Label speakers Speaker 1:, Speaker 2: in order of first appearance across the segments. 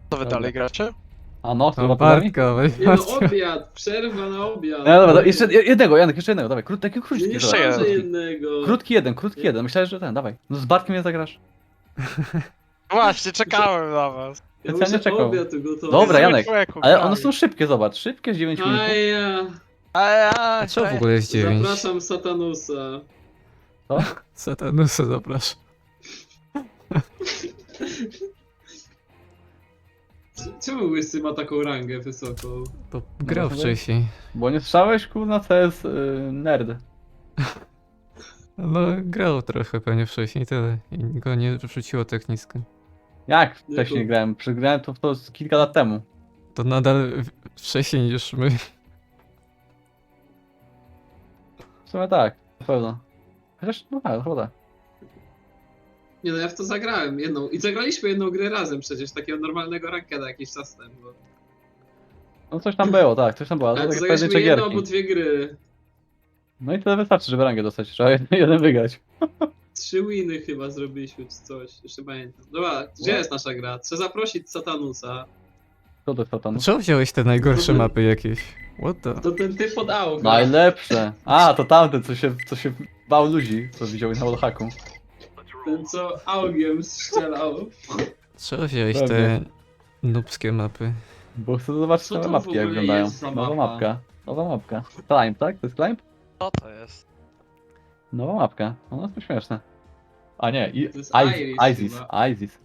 Speaker 1: Co wy
Speaker 2: Dobra.
Speaker 1: dalej gracie?
Speaker 2: A no,
Speaker 3: No
Speaker 2: chyba podami?
Speaker 3: Bartka, weź
Speaker 4: Nie no,
Speaker 3: Bartka.
Speaker 4: obiad, przerwa na obiad.
Speaker 2: No dobra, jeszcze jednego, Janek, jeszcze jednego, dawaj, taki
Speaker 4: Nie,
Speaker 2: krótki,
Speaker 4: nie
Speaker 1: Jeszcze
Speaker 2: dawaj.
Speaker 1: jeden.
Speaker 4: szarżę jednego.
Speaker 2: Krótki jeden, myślałem, że ten, dawaj. No z Bartkiem nie zagrasz.
Speaker 1: Właśnie, czekałem na was.
Speaker 4: Ja
Speaker 2: specjalnie
Speaker 4: muszę
Speaker 2: czekał.
Speaker 4: obiad ugotować.
Speaker 2: Dobra,
Speaker 1: Ty
Speaker 2: Janek,
Speaker 1: zwykłeku,
Speaker 2: ale
Speaker 1: prawie.
Speaker 2: one są szybkie, zobacz, szybkie z 9 minut.
Speaker 4: A ja.
Speaker 3: A co w ogóle jest 9?
Speaker 4: Zapraszam Satanusa.
Speaker 3: Satanusa zapraszam.
Speaker 4: Czemu Łysy ma taką rangę wysoką?
Speaker 3: To grał
Speaker 2: No,
Speaker 3: wcześniej.
Speaker 2: Bo nie słyszałeś, kurna, co jest nerd.
Speaker 3: No grał trochę pewnie wcześniej, tyle. I go nie wrzuciło tak nisko.
Speaker 2: Jak wcześniej grałem? Przegrałem to z kilka lat temu.
Speaker 3: To nadal wcześniej niż my.
Speaker 2: W sumie tak, na pewno. Chociaż, no tak, chyba tak.
Speaker 4: Nie no, ja w to zagrałem jedną. I zagraliśmy jedną grę razem przecież, takiego normalnego rankeda jakiś czas temu.
Speaker 2: No coś tam było, tak, coś tam było, ale
Speaker 4: Ale
Speaker 2: to
Speaker 4: to
Speaker 2: takie
Speaker 4: zagraliśmy
Speaker 2: pojedyncze
Speaker 4: jedną albo
Speaker 2: gierki.
Speaker 4: dwie gry.
Speaker 2: No i tyle wystarczy, żeby rangę dostać, trzeba jeden wygrać.
Speaker 4: 3 winy chyba zrobiliśmy czy coś, jeszcze pamiętam. Dobra, gdzie jest nasza gra? Trzeba zaprosić Satanusa.
Speaker 2: Co to jest satan?
Speaker 3: Czemu wziąłeś te najgorsze
Speaker 4: No to-
Speaker 3: mapy jakieś? What the?
Speaker 4: To ten typ od auga.
Speaker 2: Najlepsze! A, to tamten, co się bał ludzi, co widział na wallhacku.
Speaker 4: Ten co augiem strzelał.
Speaker 3: Czemu wziąłeś
Speaker 2: Pewnie.
Speaker 3: te nubskie mapy?
Speaker 2: Bo chcę zobaczyć
Speaker 4: Co
Speaker 2: nowe
Speaker 4: to w
Speaker 2: mapki, jak
Speaker 4: ogóle
Speaker 2: wyglądają.
Speaker 4: jest za
Speaker 2: Nowa
Speaker 4: mapa?
Speaker 2: mapka. Nowa mapka. Climb, tak? To jest Climb?
Speaker 1: Co to jest?
Speaker 2: Nowa mapka. Ona jest to śmieszne. A nie,
Speaker 4: To jest
Speaker 2: ISIS.
Speaker 4: chyba.
Speaker 2: ISIS.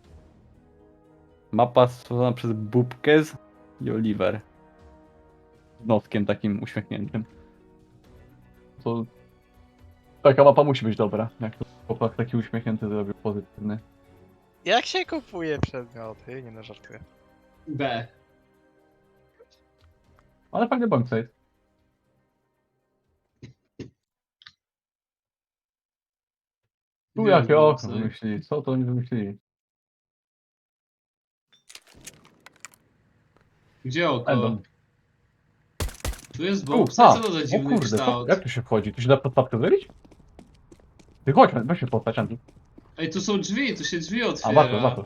Speaker 2: Mapa stworzona przez Bubkez i Oliver. Z noskiem takim uśmiechniętym. To... Taka mapa musi być dobra. Jak to chłopak taki uśmiechnięty zrobił pozytywny.
Speaker 1: Jak się kupuje przedmioty? Nie no, żartuję.
Speaker 4: B.
Speaker 2: Ale fajny bombsite. Tu
Speaker 4: Gdzie
Speaker 2: jakie
Speaker 4: jest
Speaker 2: okno
Speaker 4: bombsite?
Speaker 2: wymyślili? Co to oni wymyślili?
Speaker 4: Gdzie oko?
Speaker 2: Endon.
Speaker 4: Tu jest
Speaker 2: Tu,
Speaker 4: box.
Speaker 2: a,
Speaker 4: Co to za
Speaker 2: o
Speaker 4: dziwny
Speaker 2: kurde, co,
Speaker 4: kształt?
Speaker 2: jak tu się wchodzi? Tu się da podstawkę zrobić? Ty chodź, weź się postać, Andrzej.
Speaker 4: Ej, tu są drzwi, tu się drzwi
Speaker 2: A,
Speaker 4: otwiera.
Speaker 2: warto.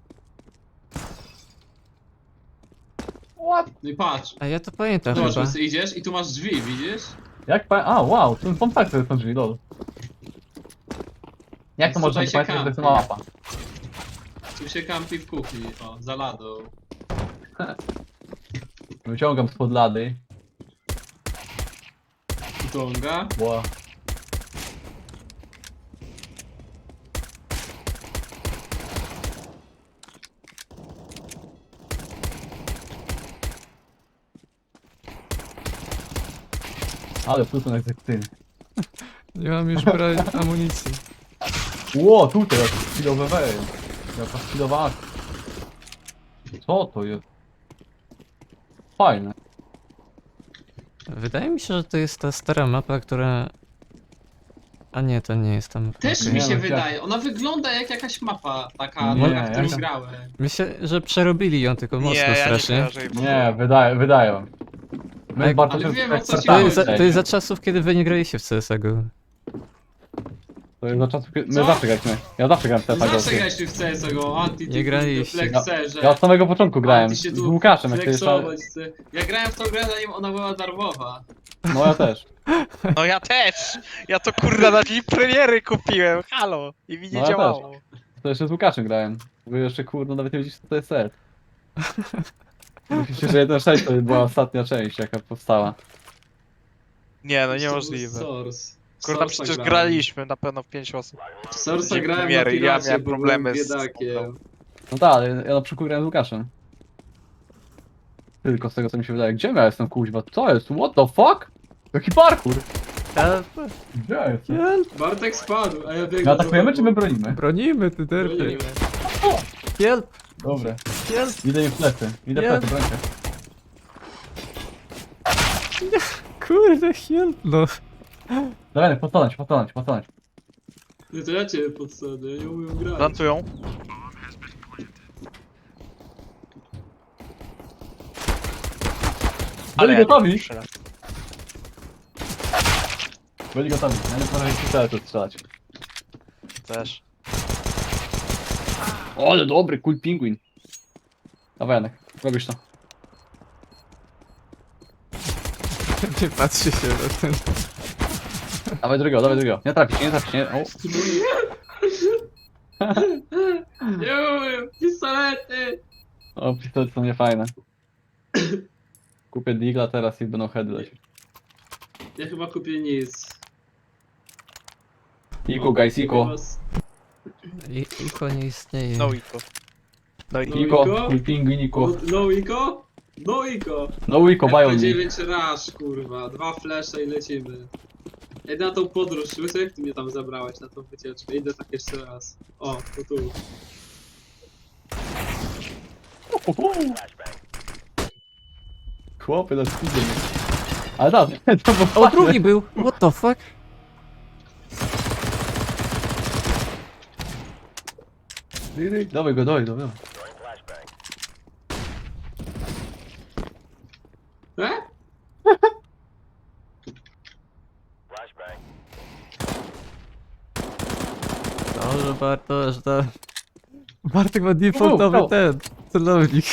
Speaker 2: What?
Speaker 4: No i patrz.
Speaker 3: A ja to pamiętam
Speaker 4: Zobacz,
Speaker 3: chyba.
Speaker 4: Łysy, idziesz i tu masz drzwi, widzisz?
Speaker 2: Jak pa... A, wow, to są tak, to są drzwi, lol. Jak to można
Speaker 4: Tutaj się
Speaker 2: pamiętać, że to jest
Speaker 4: kampi.
Speaker 2: mała mapa?
Speaker 4: Tu się kampi w kuchni, o, za ladą.
Speaker 2: Wyciągam spod lady.
Speaker 4: Tonga.
Speaker 2: Wow. Ale pluton egzekucyjny.
Speaker 3: Nie mam już brać amunicji.
Speaker 2: Ło, tutaj jak chwilowe weje. Jaka chwilowa akcja. Co to jest? Fajne.
Speaker 3: Wydaje mi się, że to jest ta stara mapa, która... A nie, to nie jest ta mapa.
Speaker 4: Też
Speaker 3: okej.
Speaker 4: mi
Speaker 2: Nie,
Speaker 4: się
Speaker 2: no,
Speaker 4: wydaje, ona wygląda jak jakaś mapa, taka,
Speaker 2: Nie,
Speaker 4: na którą
Speaker 2: jaka-
Speaker 4: grałem.
Speaker 3: Myślę, że przerobili ją tylko mocno
Speaker 1: nie, ja
Speaker 3: strasznie.
Speaker 1: nie kojarzę jej w ogóle.
Speaker 2: Nie, wydaje wam. My
Speaker 3: Ale
Speaker 2: bardzo
Speaker 4: wiem,
Speaker 2: często
Speaker 4: o co ci
Speaker 2: ekspertami
Speaker 4: chodzi.
Speaker 3: To jest za czasów, kiedy wy nie graliście w CSGO.
Speaker 2: To jest za czasów, kiedy... My
Speaker 4: Co?
Speaker 2: zawsze graliśmy. Ja zawsze grałem w
Speaker 4: No
Speaker 2: CSGO.
Speaker 4: zawsze graliśmy w CSGO, anti
Speaker 3: Nie graliście.
Speaker 4: flexerze.
Speaker 2: Ja od samego początku grałem.
Speaker 4: Anty
Speaker 2: Z
Speaker 4: się tu
Speaker 2: Łukaszem, jak to jeszcze...
Speaker 4: flexować chce. Ja grałem w tą grę, zanim ona była darmowa.
Speaker 2: No ja też.
Speaker 1: No ja też! Ja to kurwa na dzień premiery kupiłem, halo! I mi nie
Speaker 2: No ja
Speaker 1: działało.
Speaker 2: To jeszcze z Łukaszem grałem. Wy jeszcze kurde nawet nie widzicie co to jest set. Myślicie, że 1.6 to była ostatnia część jaka powstała.
Speaker 1: Nie, no
Speaker 4: To był
Speaker 1: niemożliwe.
Speaker 4: Source.
Speaker 1: Kurwa,
Speaker 4: Source'a
Speaker 1: przecież
Speaker 4: grałem.
Speaker 1: graliśmy na pewno w 5 osób.
Speaker 4: Source'a
Speaker 1: Dzień
Speaker 4: grałem na
Speaker 1: premiery, ja
Speaker 4: piracie,
Speaker 1: miałem
Speaker 4: bo
Speaker 1: problemy
Speaker 4: byłem
Speaker 1: z-
Speaker 4: biedakiem.
Speaker 2: No tak, ale ja na przykład grałem z Łukaszem. Tylko z tego co mi się wydaje. Gdzie ja jestem kuźwa? Co jest? What the fuck? Jaki parkour? Gdzie ja jestem?
Speaker 3: Help!
Speaker 4: Bartek spadł, a ja
Speaker 2: My
Speaker 4: biegłem.
Speaker 2: atakujemy czy my bronimy?
Speaker 3: Bronimy, ty derpy.
Speaker 4: Bronimy.
Speaker 3: Help!
Speaker 2: Dobra.
Speaker 3: Help!
Speaker 2: Idę im w plecy. Idę w
Speaker 3: Nie.
Speaker 2: plecy, brońcie.
Speaker 3: Kurde, help no.
Speaker 2: Dawaj, podstanąć.
Speaker 4: Nie, to ja cię podsadzę, ja nie umiem grać.
Speaker 1: Plantują.
Speaker 2: Byli gotowi?
Speaker 1: Strzela.
Speaker 2: Byli gotowi. Ja nie potrafię strzelać, to strzelać.
Speaker 1: Też.
Speaker 2: O, ale dobry, cool pingwin. Dawaj Janek, robisz to.
Speaker 3: Nie patrzy się na ten.
Speaker 2: Dawaj drugiego. Nie trafić, nie. O.
Speaker 4: Nie, pistolety!
Speaker 2: O, pistolety są niefajne. Kupię digla teraz i będą heady lecieć.
Speaker 4: Ja chyba kupię nic.
Speaker 2: Iku, guys, Iku.
Speaker 3: Iko nie istnieje.
Speaker 1: No Iko. No i
Speaker 4: No
Speaker 2: Iko,
Speaker 4: Iko?
Speaker 2: mój pingwiniku.
Speaker 4: No Iko? No Iko!
Speaker 2: No Iko, bają mi.
Speaker 4: FP9 Rush, kurwa. 2 flesze i lecimy. Ej, na tą podróż, Łysy, jak ty mnie tam zabrałeś na tą wycieczkę? Idę tak jeszcze raz. O, to tu.
Speaker 2: Chłopy, na speedzie. Ale tak, to było
Speaker 3: O,
Speaker 2: fajne.
Speaker 3: drugi był! What the fuck?
Speaker 2: Dawaj go, dawaj.
Speaker 4: E?
Speaker 3: Dobrze, Bartosz, to... Bartek ma defaultowy
Speaker 2: brawo.
Speaker 3: ten, celownik.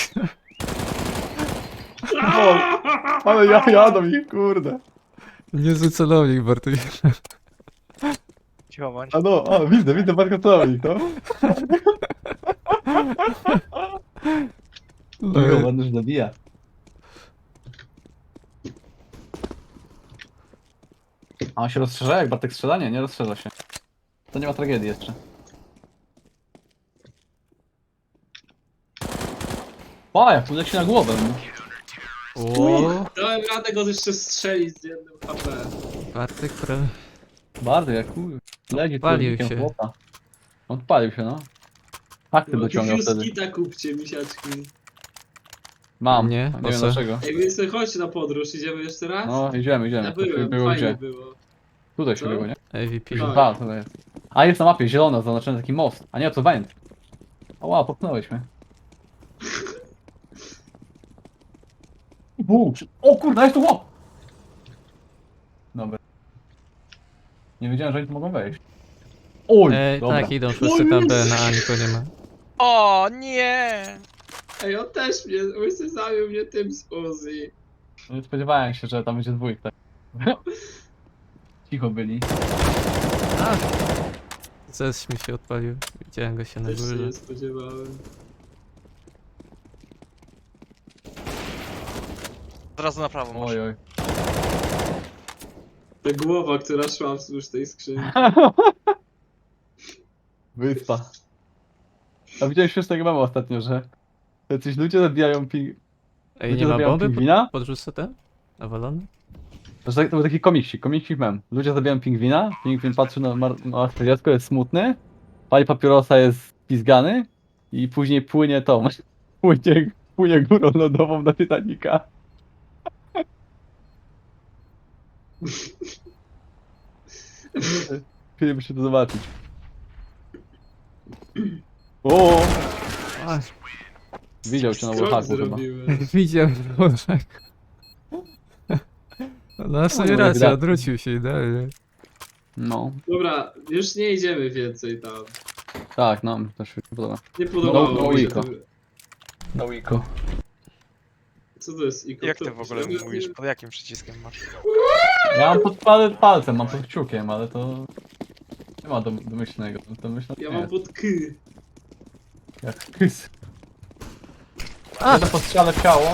Speaker 2: Ale ja jadą ich, kurde.
Speaker 3: Niezły celownik, Bartek.
Speaker 1: cicho bądź.
Speaker 2: Widzę bardzo celownik, no. No, ładny, że zabija. A on się rozszerza jak Bartek strzela? Nie rozszerza się. To nie ma tragedii jeszcze. O, jak tu leci na głowę.
Speaker 3: O,
Speaker 4: Dałem radę go jeszcze strzelić z jednym HP.
Speaker 3: Bartek
Speaker 2: Bardzo jak chuj. Leci
Speaker 3: Odpalił
Speaker 2: tu
Speaker 3: się.
Speaker 2: chłopa. Odpalił się, no. Akty dociągał wtedy.
Speaker 4: Fuskita kupcie, misiaczki.
Speaker 2: Mam.
Speaker 3: Nie,
Speaker 2: Nie
Speaker 3: po
Speaker 2: wiem
Speaker 3: co?
Speaker 2: dlaczego.
Speaker 4: Ej, więc chodź na podróż, idziemy jeszcze raz?
Speaker 2: No, idziemy.
Speaker 4: Ja
Speaker 2: To się
Speaker 4: byłem,
Speaker 2: było
Speaker 4: fajnie
Speaker 2: gdzie?
Speaker 4: było.
Speaker 2: Tutaj się
Speaker 4: Co?
Speaker 2: było, nie?
Speaker 3: AVP.
Speaker 4: Tak.
Speaker 2: A, tutaj jest. A, jest na mapie, zielona, zaznaczony taki most. A nie, to węd. O, wow, popchnąłeś mnie. O kurde, jest tu łop! Dobra. Nie wiedziałem, że oni tu mogą wejść. Oj, dobra.
Speaker 3: Tak, idą wszyscy tam B, na A nikogo nie ma.
Speaker 1: O nie!
Speaker 4: Ej, on też mnie, Łysy zabił mnie tym z Uzi.
Speaker 2: Nie spodziewałem się, że tam będzie dwójk, tak. Cicho byli.
Speaker 3: A! Zes mi się odpalił. Widziałem go się na
Speaker 4: Też się
Speaker 3: górze.
Speaker 4: nie spodziewałem.
Speaker 1: Od razu na prawo masz.
Speaker 2: Oj.
Speaker 4: Ta głowa, która szła wzdłuż tej skrzyni.
Speaker 2: Wyspa. A widziałeś już tego mema ostatnio, że jacyś ludzie zabijają
Speaker 3: Ej,
Speaker 2: ludzie
Speaker 3: nie ma
Speaker 2: zabijają
Speaker 3: bomby?
Speaker 2: pingwina?
Speaker 3: Podrzucę ten? Nawalony?
Speaker 2: To był taki komiksik mem. Ludzie zabijają pingwina, pingwin patrzy na martwe dziecko, jest smutny, pali papierosa, jest pizgany i później płynie tą, płynie górą lodową do Titanica. Chcieliby się to zobaczyć. O,
Speaker 3: A,
Speaker 2: widział cię na
Speaker 4: Skrok
Speaker 2: Warhaku chyba.
Speaker 4: zrobiłem.
Speaker 3: widziałem tak. No w sumie
Speaker 2: Oj,
Speaker 3: racja,
Speaker 2: gra-
Speaker 3: odwrócił się idealnie.
Speaker 2: No,
Speaker 4: Dobra, już nie idziemy więcej tam.
Speaker 2: tak, no, też się podoba.
Speaker 4: Nie podobało
Speaker 2: No,
Speaker 4: mi się
Speaker 2: Iko.
Speaker 4: to.
Speaker 2: Na Wiko.
Speaker 4: Co to jest Iko?
Speaker 1: Jak
Speaker 4: To-
Speaker 1: ty w ogóle
Speaker 4: ja-
Speaker 1: mówisz? Pod jakim przyciskiem masz?
Speaker 2: Ja mam pod palcem, mam pod kciukiem, ale to nie ma domyślnego. Domyślnego
Speaker 4: Ja
Speaker 2: nie
Speaker 4: mam
Speaker 2: jest.
Speaker 4: pod K.
Speaker 2: Jak kys.
Speaker 3: A!
Speaker 2: Jeden postrzale w ciało.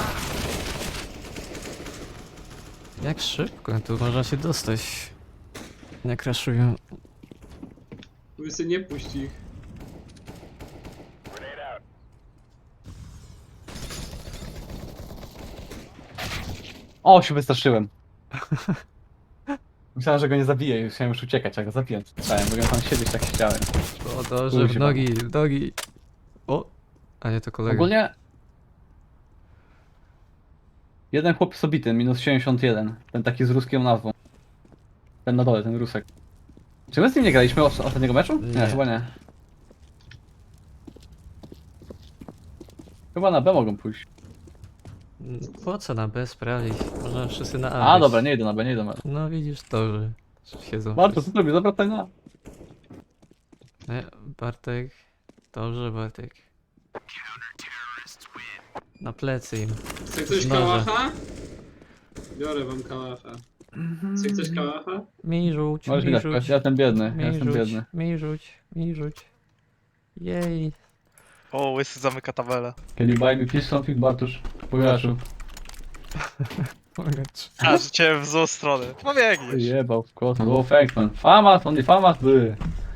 Speaker 3: Jak szybko, tu można się dostać. Nie crashują.
Speaker 4: Łysy, nie puść ich.
Speaker 2: O, się wystraszyłem. Myślałem, że go nie zabiję i chciałem już uciekać, jak go zabiłem. Słyszałem, mogłem tam siedzieć, tak chciałem.
Speaker 3: O dobrze, w
Speaker 2: Kuźwa.
Speaker 3: nogi, w nogi. O! A nie, to kolega.
Speaker 2: Ogólnie... Jeden chłop jest obity, minus 71. Ten taki z ruską nazwą. Ten na dole, ten rusek. Czy my z nim nie graliśmy ostatniego meczu?
Speaker 3: Nie.
Speaker 2: Chyba nie. Chyba na B mogą pójść.
Speaker 3: Po co na B sprawdzić? Można wszyscy na A.
Speaker 2: A,
Speaker 3: być.
Speaker 2: dobra, nie idę na B, nie idę na B.
Speaker 3: No widzisz, dobrze. Siedzą.
Speaker 2: Barto, co
Speaker 3: wszyscy.
Speaker 2: zrobię? Zawracaj na.
Speaker 3: Nie, Bartek. Dobrze, Bartek. Na plecy im.
Speaker 4: Chce ktoś
Speaker 3: Znowu.
Speaker 4: kałacha? Biorę wam kałacha. Chce ktoś kałacha?
Speaker 3: Mi rzuć,
Speaker 2: Możesz mi
Speaker 3: mi
Speaker 2: dać,
Speaker 3: rzuć.
Speaker 2: ja jestem biedny,
Speaker 3: Mi
Speaker 2: ja jestem
Speaker 3: rzuć,
Speaker 2: biedny.
Speaker 3: mi rzuć, mi rzuć. Jej.
Speaker 1: O, łysy zamyka tabelę.
Speaker 2: Can you buy me fish something, Bartusz? Pojaszu.
Speaker 3: Mogę.
Speaker 1: A, rzuciłem w złą stronę. No biegniesz.
Speaker 2: Jebał w kosmos. No thanks man. Famas, only famas by.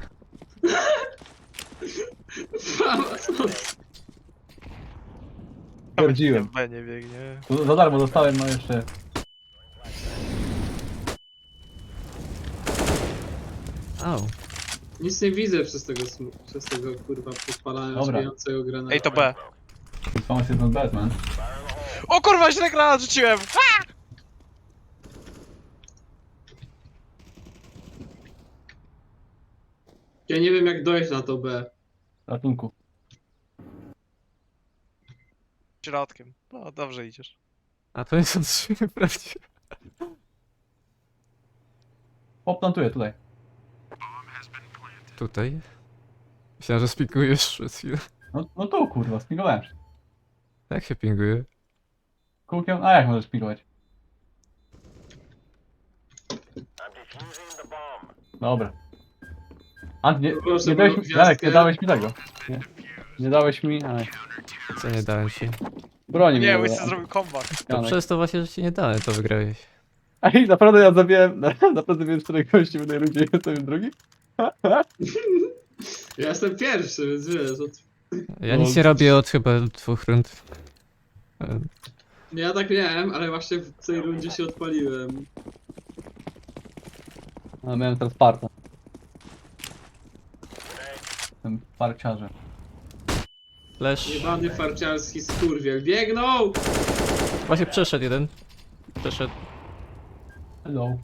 Speaker 2: Stwierdziłem.
Speaker 1: B nie biegnie.
Speaker 2: To za darmo dostałem, no jeszcze.
Speaker 3: Au.
Speaker 4: Nic nie widzę przez tego kurwa podpalania
Speaker 2: Dobra.
Speaker 4: śmiejącego granatu.
Speaker 1: Ej, to B.
Speaker 2: Famas jest not bad, man.
Speaker 1: O kurwa, źle granat rzuciłem!
Speaker 4: Ja nie wiem jak dojść na to B.
Speaker 2: Ratunku.
Speaker 1: Środkiem. No, dobrze idziesz.
Speaker 3: A to nie są trzy prawdziwe.
Speaker 2: Poplantuję tutaj.
Speaker 3: Tutaj. Myślałem, że spikujesz przez chwilę.
Speaker 2: No tu kurwa, spingowałem się.
Speaker 3: Jak się pinguje?
Speaker 2: Kółkiem? A jak możesz spingować? Dobra. Ant, nie,
Speaker 4: Proszę,
Speaker 2: nie dałeś
Speaker 4: moją
Speaker 2: mi, Jarek, nie
Speaker 4: gwiazdkę.
Speaker 2: dałeś mi tego. Nie dałeś mi, ale...
Speaker 3: Co nie dałem ci?
Speaker 2: Broni
Speaker 1: Nie,
Speaker 2: mnie.
Speaker 1: łysy zrobił kombat.
Speaker 3: To przez to właśnie, że ci nie dałem, to wygrałeś.
Speaker 2: Ej, naprawdę ja zabiłem, naprawdę zabiłem 4 gości w jednej rundzie, jestem drugi?
Speaker 4: Ja jestem pierwszy, więc wiesz.
Speaker 3: Ja nic nie robię od chyba 2 rund.
Speaker 4: Ja tak miałem, ale właśnie w tej rundzie się odpaliłem.
Speaker 2: A miałem teraz parta. Jestem parciarzem.
Speaker 3: Flash.
Speaker 4: Jebany farciarski skurwiel. Biegną!
Speaker 3: Właśnie przeszedł jeden. Przeszedł.
Speaker 2: Hello.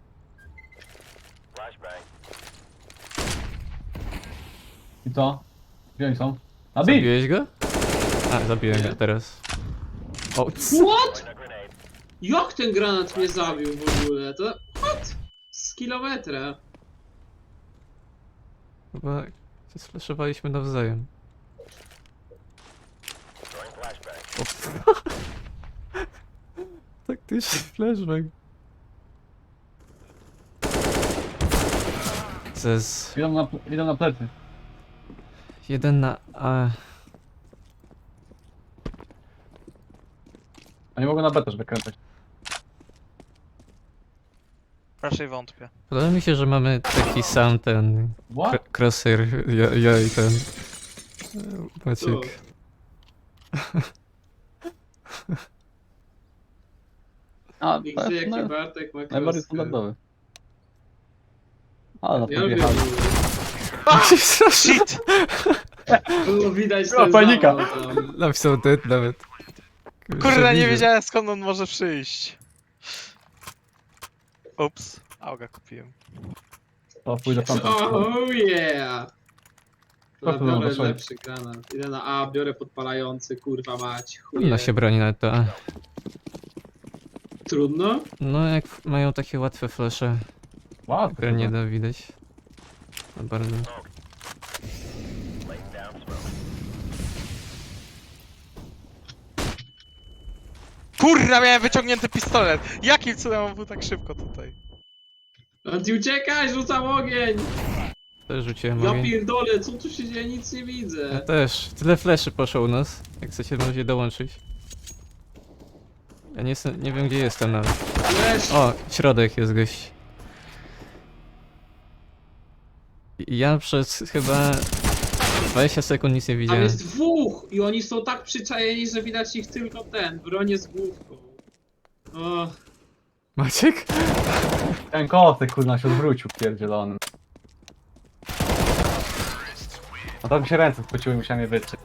Speaker 2: I co? Gdzie oni są? A bij!
Speaker 3: Zabiłeś go? A, zabiłem
Speaker 4: Nie.
Speaker 3: go teraz. O,
Speaker 4: What? Jak ten granat mnie zabił w ogóle? To... What? Z kilometra.
Speaker 3: chyba się sflashowaliśmy nawzajem. O. Taktyczny flashback. Cez.
Speaker 2: Idą na plecy.
Speaker 3: Jeden na A.
Speaker 2: A nie mogą na B też wykręcać.
Speaker 1: Raczej wątpię.
Speaker 3: Podoba mi się, że mamy taki sam ten
Speaker 2: What?
Speaker 3: crosshair, ja i ten Maciek.
Speaker 2: A,
Speaker 4: Nigdy jaki
Speaker 2: no,
Speaker 4: Bartek ma
Speaker 2: najbardziej
Speaker 4: kroskę.
Speaker 2: standardowy. Ale na
Speaker 4: Ja
Speaker 2: to
Speaker 4: lubię.
Speaker 2: wjechali.
Speaker 1: Shit!
Speaker 4: Było widać
Speaker 2: O,
Speaker 4: ten
Speaker 2: panika.
Speaker 4: zawał tam.
Speaker 3: Napisał dead nawet.
Speaker 1: Kurwa, nie
Speaker 3: Widzę.
Speaker 1: wiedziałem skąd on może przyjść. Ups. Auga kupiłem.
Speaker 2: To pójdę tam.
Speaker 4: Oh yeah!
Speaker 2: Co
Speaker 4: To
Speaker 2: tu
Speaker 4: biorę
Speaker 2: mamy,
Speaker 4: lepszy granat. Idę na A, biorę podpalający, kurwa mać. Chuje.
Speaker 3: No się broni na to. A.
Speaker 4: Trudno?
Speaker 3: No jak mają takie łatwe flesze,
Speaker 2: Wow,
Speaker 3: które nie da widać. No bardzo.
Speaker 1: Kurwa, miałem wyciągnięty pistolet! Jakim cudem on był tak szybko tutaj?
Speaker 4: Anti uciekaj, rzucam ogień!
Speaker 3: Też rzuciłem
Speaker 4: Ja
Speaker 3: ogień.
Speaker 4: pierdolę, co tu się dzieje? Nic nie
Speaker 3: Ja
Speaker 4: widzę.
Speaker 3: też. Tyle fleszy poszło u nas. Jak chcecie możecie dołączyć. Ja nie wiem gdzie jestem nawet.
Speaker 4: Flash!
Speaker 3: O, środek jest gość. Ja przez chyba 20 sekund nic nie
Speaker 4: Tam
Speaker 3: widziałem.
Speaker 4: jest dwóch! I oni są tak przyczajeni, że widać ich tylko ten, bronie z główką. O,
Speaker 3: Maciek?
Speaker 2: Ten kostek kurna się odwrócił pierdzielonym. A tam mi się ręce spociły, musiałem je wytrzeć.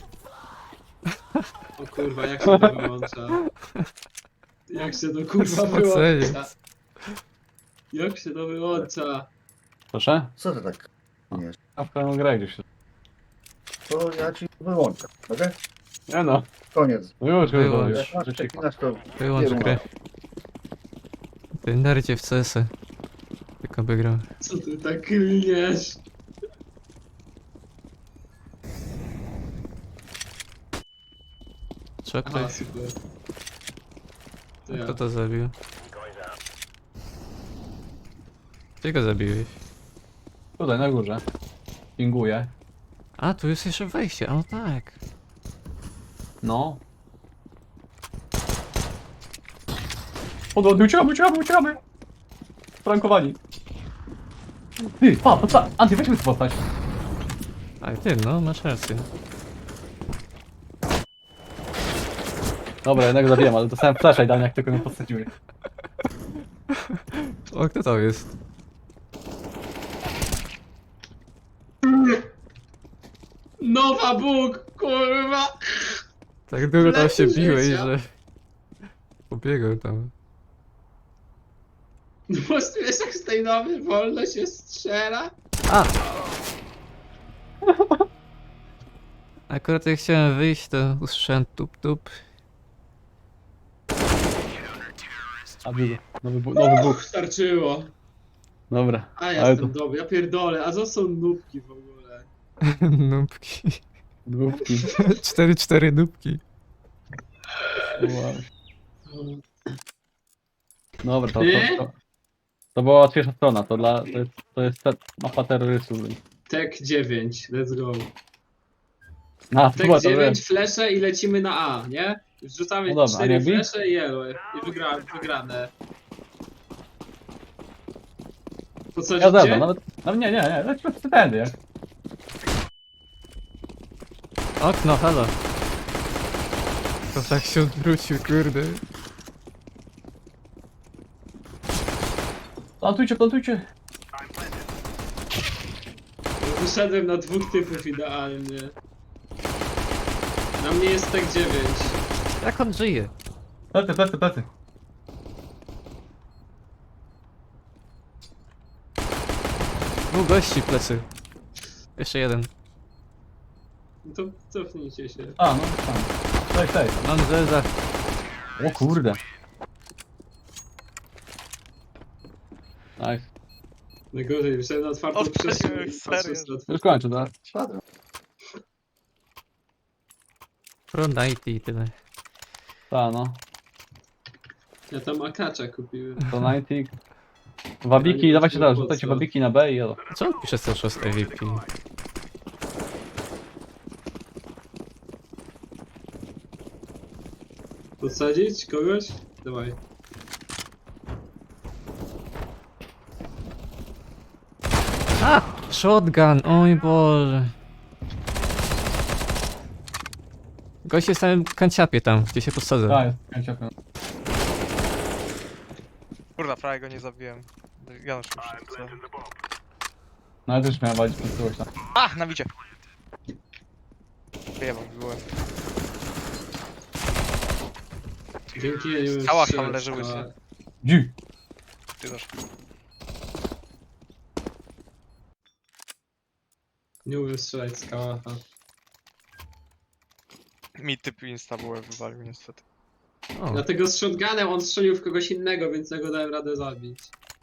Speaker 4: o kurwa, jak się to wyłącza? Jak się to kurwa
Speaker 3: Spocenie.
Speaker 4: wyłącza? Jak się to wyłącza?
Speaker 2: Proszę?
Speaker 5: Co ty tak? Nie.
Speaker 2: A w pełną grę gdzieś.
Speaker 5: To ja ci wyłączę, okej?
Speaker 2: Nie no.
Speaker 5: Koniec.
Speaker 2: No już,
Speaker 3: Wyłącz.
Speaker 2: już.
Speaker 5: Jak masz
Speaker 2: Już cicho.
Speaker 5: przeklinać, to
Speaker 3: Wyłącz
Speaker 5: nie
Speaker 3: grę. Ty nerdzie w CS-y. Tylko by grał.
Speaker 4: Co ty tak klniesz?
Speaker 3: Jeszcze
Speaker 4: Aha,
Speaker 3: ktoś?
Speaker 4: super. To ja.
Speaker 3: Kto to zabił? Ty go zabiłeś.
Speaker 2: Tutaj na górze. Pinguję.
Speaker 3: A, tu jest jeszcze wejście, a no tak.
Speaker 2: No. Podwodny, uciekamy! Prankowani. Ty, pa, Anty, weźmy tu postać.
Speaker 3: A ty, no, masz rację.
Speaker 2: Dobra, jednego zabiłem, ale dostałem flasha i dałem jak tylko mnie podsadziły.
Speaker 3: O, kto to jest?
Speaker 4: Nowa Bóg, kurwa!
Speaker 3: Tak długo tam się
Speaker 4: Lepiej
Speaker 3: biłeś,
Speaker 4: życia.
Speaker 3: że... Pobiegał tam.
Speaker 4: No bo wiesz jak z tej nowej wolno się strzela?
Speaker 3: A! Akurat jak chciałem wyjść, to usłyszałem tup.
Speaker 2: A biegł. Nowy Bóg.
Speaker 4: Starczyło.
Speaker 2: Dobra.
Speaker 4: A
Speaker 2: Ale
Speaker 4: jestem
Speaker 2: to
Speaker 4: dobry, ja pierdolę, a co są nubki w ogóle?
Speaker 3: Nubki.
Speaker 2: dwójki.
Speaker 3: 4 nubki.
Speaker 2: Wow. Dobra,
Speaker 4: Nie?
Speaker 2: to była łatwiejsza strona, to jest mapa terrorystów.
Speaker 4: Tek 9, let's go.
Speaker 2: A, to
Speaker 4: Tek
Speaker 2: była to
Speaker 4: 9, flesze i lecimy na A, nie? Wrzucamy
Speaker 2: No dobra, a
Speaker 4: 4
Speaker 2: nie B?
Speaker 4: flesze i elo. I wygrane.
Speaker 2: Ja
Speaker 4: Podsadzicie?
Speaker 2: zgadzam, nawet nie, lecimy w tędy, jak?
Speaker 3: Okno, halo. To tak się odwrócił, kurde.
Speaker 2: Plantujcie.
Speaker 4: Wyszedłem na 2 typów idealnie. Na mnie jest tek 9.
Speaker 3: Jak on żyje?
Speaker 2: Plecy.
Speaker 3: Dwóch gości plecy. Jeszcze jeden.
Speaker 4: No to cofnijcie się.
Speaker 2: A, no tam. Tej.
Speaker 3: Mam zeza.
Speaker 2: O kurde. Nice.
Speaker 4: Najgorzej, wyszedłem na otwartą
Speaker 1: Odpaliłem,
Speaker 4: przestrzeń.
Speaker 1: serio.
Speaker 4: patrząc na
Speaker 2: Już kończę, tak?
Speaker 5: Spadłem.
Speaker 3: Pro 90 i tyle.
Speaker 2: Ta, no.
Speaker 4: Ja tam akacza kupiłem.
Speaker 2: To 90. Wabiki,
Speaker 4: Ja nie
Speaker 2: dawajcie teraz,
Speaker 4: wiem, po
Speaker 2: rzucajcie
Speaker 4: co.
Speaker 2: wabiki na B i elo.
Speaker 3: Co on pisze cały czas AVP?
Speaker 4: Podsadzić kogoś? Dawaj.
Speaker 3: A! Shotgun, oj Boże. Gość jest w samym kanciapie tam, gdzie się podsadzę.
Speaker 2: Tak, jest, kończę.
Speaker 1: Kurwa, prawie go nie zabiłem. Janusz już chce.
Speaker 2: No ale też miałem walić pod kogoś tam.
Speaker 1: A, na widzie. Wyjebał, byłem.
Speaker 4: Dzięki, ja nie wiem.
Speaker 1: Kałach
Speaker 4: strzelać,
Speaker 1: tam leży łysy.
Speaker 4: kałach.
Speaker 2: Dzi!
Speaker 1: Ty też.
Speaker 4: Nie umiem strzelać z kałacha.
Speaker 1: Mi typ insta byłem wywalił niestety.
Speaker 3: O,
Speaker 4: Dlatego z shotgunem on strzelił w kogoś innego, więc ja go dałem radę zabić.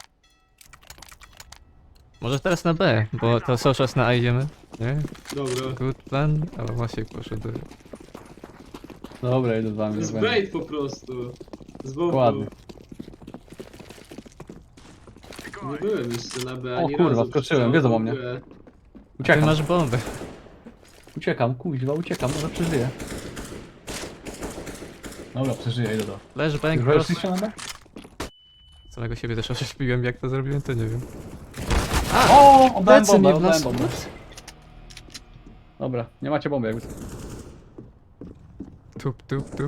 Speaker 3: może teraz na B, bo to cały czas na A idziemy. Nie?
Speaker 4: Dobra.
Speaker 3: Good plan. Ale właśnie poszedł.
Speaker 2: Dobra, idę z
Speaker 4: To
Speaker 2: wami.
Speaker 4: jest
Speaker 2: nie będę.
Speaker 4: bait po prostu. Z boku.
Speaker 2: Ładnie.
Speaker 4: Nie byłem jeszcze na B,
Speaker 2: O
Speaker 4: ani
Speaker 2: kurwa,
Speaker 4: razu
Speaker 2: skoczyłem,
Speaker 4: przez
Speaker 2: wiedzą
Speaker 4: całą
Speaker 2: o mnie.
Speaker 4: grę.
Speaker 3: Ty
Speaker 2: Uciekam,
Speaker 3: masz bombę.
Speaker 2: uciekam, może przeżyję. Dobra, przeżyję, idę do.
Speaker 3: Flashbang,
Speaker 2: Już
Speaker 3: cross.
Speaker 2: weszliście na B?
Speaker 3: Samego siebie też oszukiłem, jak to zrobiłem, to nie wiem.
Speaker 2: O, oddałem
Speaker 3: Plecy
Speaker 2: bombę,
Speaker 3: mi w
Speaker 2: oddałem
Speaker 3: nas.
Speaker 2: bombę. Dobra, nie macie bomby jakby.
Speaker 3: Tup.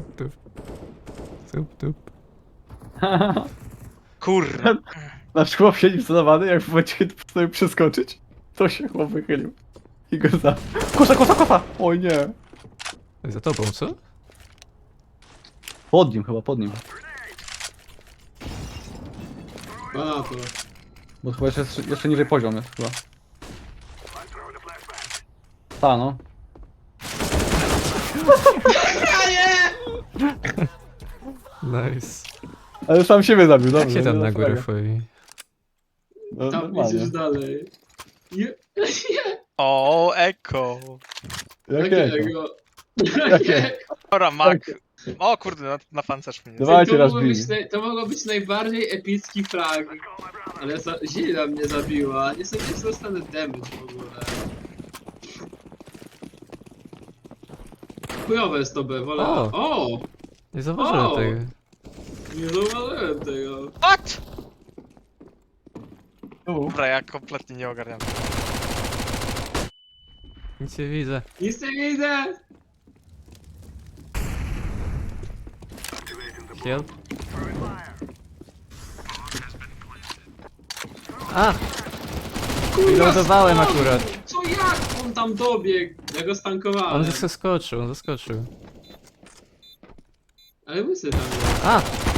Speaker 1: Kurwa.
Speaker 2: Nasz chłop siedzi wcelowany, jak w momencie postanowił przeskoczyć, to się chłop wychylił. I go za... Kosa! Oj nie.
Speaker 3: Za tobą, co?
Speaker 2: Pod nim chyba, pod nim.
Speaker 4: A na to.
Speaker 2: Bo chyba jeszcze niżej poziom jest chyba. Ta no.
Speaker 3: Nice.
Speaker 2: Ale sam siebie zabił, dobrze.
Speaker 3: Jak się tam
Speaker 2: nie
Speaker 3: na
Speaker 2: za
Speaker 3: górę
Speaker 2: fragę.
Speaker 3: wchodzi?
Speaker 2: No,
Speaker 4: Tam
Speaker 2: normalnie.
Speaker 4: idziesz dalej. Je...
Speaker 1: O, eko.
Speaker 2: Jakiego?
Speaker 4: Jakiego?
Speaker 2: Jakie?
Speaker 1: Dobra, Mak. O kurde, na pancerz mnie.
Speaker 2: Dawajcie,
Speaker 4: to,
Speaker 2: raz
Speaker 4: mogło być,
Speaker 2: bij.
Speaker 4: to mogło być najbardziej epicki frag. Ale Zilla mnie zabiła. Nie sądzę, że dostanę damage w ogóle. Chujowe jest to B, wolę.
Speaker 3: O!
Speaker 4: O!
Speaker 3: Nie zauważyłem
Speaker 4: O!
Speaker 3: tego.
Speaker 4: Nie zauważyłem tego.
Speaker 1: What?
Speaker 2: Tu.
Speaker 1: Dobra, ja kompletnie nie ogarniam.
Speaker 3: Nic nie widzę.
Speaker 4: Nic nie widzę!
Speaker 3: Help. A! Reloadowałem
Speaker 4: skąd?
Speaker 3: akurat.
Speaker 4: Co jak on tam dobiegł? Ja go stankowałem.
Speaker 3: On zaskoczył, on zaskoczył.
Speaker 4: Ale łysy tam jest.
Speaker 3: A!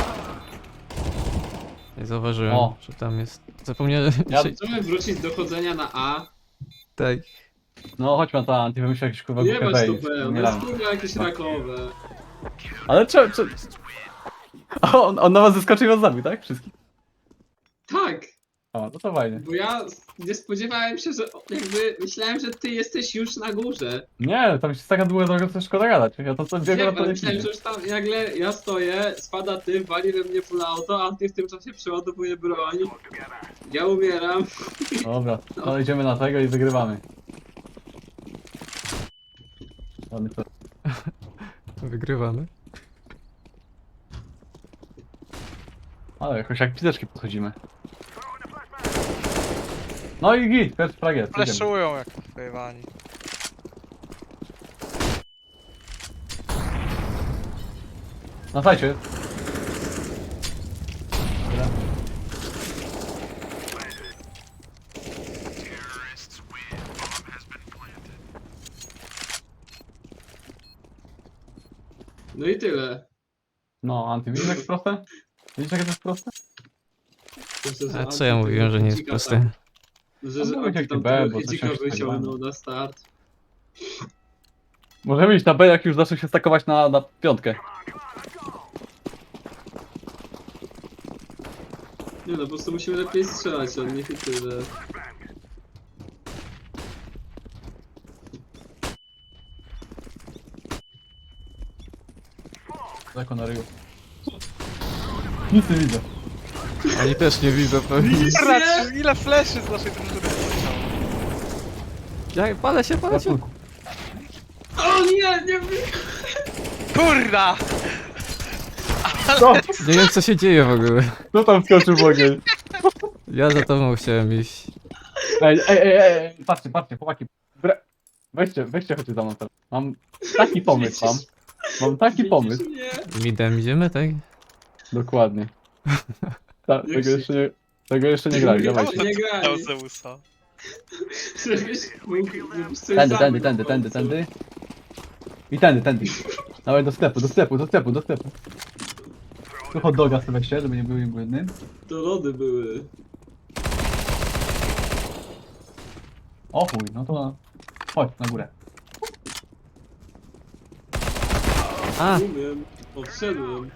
Speaker 3: Nie zauważyłem,
Speaker 2: O.
Speaker 3: że tam jest. Zapomniałem.
Speaker 2: Ja-
Speaker 3: że-
Speaker 4: Chcemy wrócić do chodzenia na A.
Speaker 3: Tak.
Speaker 2: No chodźmy na to, ty wymyśl jakieś kurwa
Speaker 4: Nie
Speaker 2: głupie
Speaker 4: bać to
Speaker 2: wejść.
Speaker 4: B, no
Speaker 2: Nie
Speaker 4: jest
Speaker 2: dam.
Speaker 4: kurwa jakieś rakowe.
Speaker 2: Ale czy... On na was zeskoczył i was zabił, tak? Wszystkich?
Speaker 4: Tak!
Speaker 2: O, no to fajnie.
Speaker 4: Bo ja nie spodziewałem się, że jakby myślałem, że ty jesteś już na górze.
Speaker 2: Nie, tam się taka długa droga, co szkoda gadać. Ja to co
Speaker 4: Wiem,
Speaker 2: biegłem na to
Speaker 4: ale
Speaker 2: nie
Speaker 4: myślałem, że już tam nagle ja stoję, spada ty, wali we mnie full auto, a ty w tym czasie przeładowuje broń. Ja umieram.
Speaker 2: Dobra, no idziemy na tego i wygrywamy. Ładny to.
Speaker 3: Wygrywamy.
Speaker 2: Ale jakoś jak pizeczki podchodzimy. No i git, pierwszy frag jest. idziemy.
Speaker 1: Fleszują jak pojewani.
Speaker 2: Na sajcie.
Speaker 4: No i tyle.
Speaker 2: No, Anty, widzisz jak jest proste? Widzisz jak to jest proste?
Speaker 4: Myślę, że
Speaker 3: A co ja mówiłem, że nie jest
Speaker 4: Antyka
Speaker 3: proste?
Speaker 4: tam- Że
Speaker 2: No,
Speaker 4: Anty
Speaker 2: jakie
Speaker 4: tam
Speaker 2: B,
Speaker 4: tego
Speaker 2: bo to
Speaker 4: Hidzika
Speaker 2: się
Speaker 4: wyciągnął na start.
Speaker 2: Możemy iść na B, jak już zaczął się stakować na piątkę.
Speaker 4: Nie no, po prostu musimy lepiej strzelać od nich i tyle.
Speaker 2: Daleko na ryju. Nic nie widzę.
Speaker 3: Oni też nie widzą pewnie.
Speaker 1: Kurwa, ile fleszy z naszej drużyny poleciało.
Speaker 3: Ja, palę się, palę się.
Speaker 4: O nie, nie
Speaker 1: Kurda!
Speaker 2: No,
Speaker 3: Nie wiem co się dzieje w ogóle.
Speaker 2: kto tam skoczył w ogień?
Speaker 3: Ja za tobą chciałem iść.
Speaker 2: Ej, patrzcie, chłopaki. Weźcie chodźcie za mną teraz. Mam taki pomysł, mam taki
Speaker 4: widzisz
Speaker 2: pomysł.
Speaker 4: mnie?
Speaker 3: Midem idziemy, tak?
Speaker 2: Dokładnie. Tego jeszcze nie grali,
Speaker 4: Nie
Speaker 2: dawajcie.
Speaker 4: nie grali.
Speaker 1: Dał Zeusa.
Speaker 4: Żebyś mógł, żebyś coś zabił
Speaker 2: Tędy.
Speaker 4: po prostu.
Speaker 2: I tędy. Dawaj do sklepu. Tu hot doga sobie weźcie, żeby nie był im błędny.
Speaker 4: To lody były.
Speaker 2: O chuj, no to chodź na górę.
Speaker 3: A!
Speaker 4: Umiem. Odszedłem.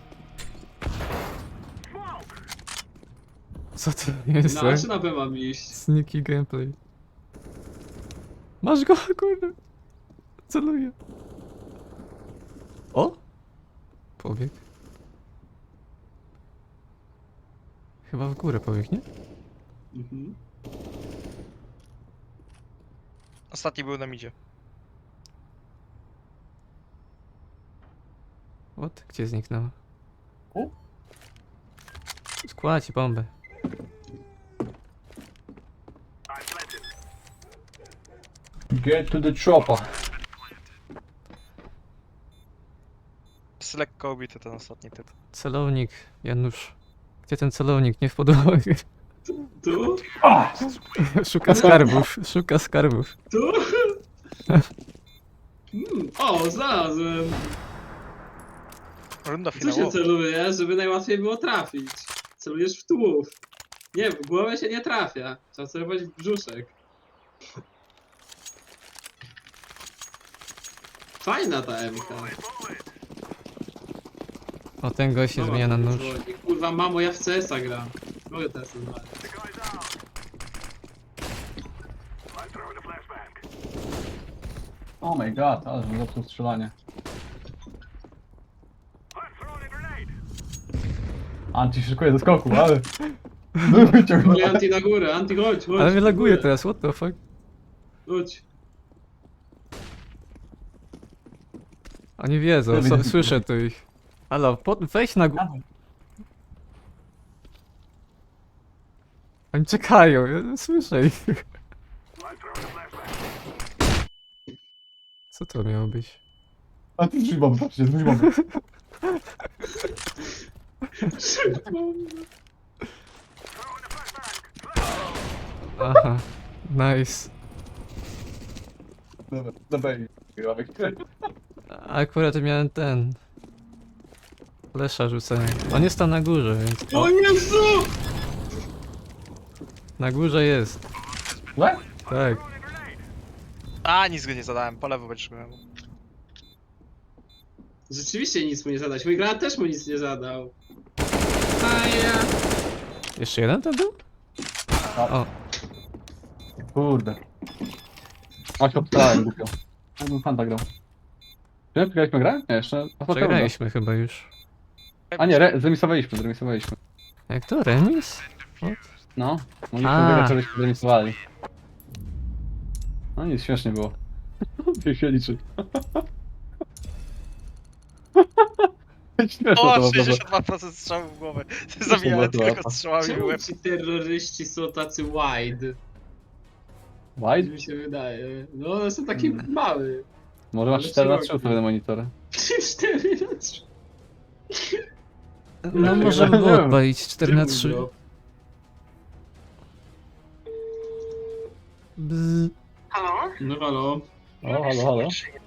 Speaker 3: Co to jest?
Speaker 4: Na A czy na B mam iść?
Speaker 3: Sneaky gameplay. Masz go, kurde. Celuję. O! Pobieg. Chyba w górę pobieg, nie?
Speaker 4: Mhm.
Speaker 1: Ostatni był na midzie.
Speaker 3: What? Gdzie zniknął?
Speaker 2: U?
Speaker 3: Składź bombę.
Speaker 2: Get to the chopper.
Speaker 1: Jest lekko obity ten ostatni typ.
Speaker 3: Celownik, Janusz. Gdzie ten celownik? Nie w podłogę.
Speaker 4: Tu?
Speaker 3: Szuka skarbów, szuka skarbów.
Speaker 4: Tu? O, znalazłem.
Speaker 1: Runda
Speaker 4: Co się
Speaker 1: finałowa.
Speaker 4: celuje, żeby najłatwiej było trafić? Celujesz w tułów. Nie, w głowę się nie trafia. Trzeba celować w brzuszek. Fajna ta MK.
Speaker 3: O, ten gość się zmienia na nóż.
Speaker 4: Dzwoni. Kurwa, mamo, ja w CS-a gram. Mogę teraz znaleźć.
Speaker 2: Oh my god, ale że zepsuł strzelanie. Anti szykuje do skoku, ale...
Speaker 4: Mówię Anti na górę, Anti chodź, chodź.
Speaker 3: Ale mnie
Speaker 4: na
Speaker 3: laguje
Speaker 4: górę.
Speaker 3: teraz, what the fuck?
Speaker 4: Chodź.
Speaker 3: Oni wiedzą, słyszę tu ich. Halo, weź na górę. Oni czekają, ja słyszę ich. Co to miało być?
Speaker 2: A ty drzwi bomby, patrzcie, drzwi bomby.
Speaker 3: Aha, nice.
Speaker 2: Dobra, dobra.
Speaker 3: Akurat miałem ten... Flesza rzucenia. On jest tam na górze, więc...
Speaker 4: O Jezu!
Speaker 3: Na górze jest.
Speaker 2: What?
Speaker 3: Tak.
Speaker 1: A, nic go nie zadałem, po lewo będziesz miał.
Speaker 4: Rzeczywiście nic mu nie zadać. Mój granat też mu nic nie zadał. A ja.
Speaker 3: Jeszcze jeden to był? O,
Speaker 2: Kurde. A się obstałem głupio. Ja bym Fanta grał. Czy wygraliśmy grę? Nie, jeszcze.
Speaker 3: przegraliśmy chyba już.
Speaker 2: A nie, zremisowaliśmy.
Speaker 3: Jak to, remis?
Speaker 2: No, mogliśmy
Speaker 3: A.
Speaker 2: wygrać, żebyśmy zremisowali. No nic, śmiesznie było. Niech się liczy. Śmieszne to
Speaker 1: O,
Speaker 2: było, prawda?
Speaker 1: 62% strzałów w głowę. Zabijałem
Speaker 2: była
Speaker 1: tylko
Speaker 2: łapa.
Speaker 1: strzałami w
Speaker 4: Czemu
Speaker 1: łeb.
Speaker 4: ci terroryści są tacy wide?
Speaker 2: Wide?
Speaker 4: Mi się wydaje. No one są takie małe.
Speaker 2: Może masz
Speaker 4: Ale
Speaker 2: 4 na 3
Speaker 4: szeroki.
Speaker 2: ustawione monitory.
Speaker 4: 4 na 3.
Speaker 3: No
Speaker 2: Nie
Speaker 3: możemy było
Speaker 2: wiem.
Speaker 3: odpalić 4 na 3.
Speaker 4: No halo.
Speaker 2: O, halo, halo.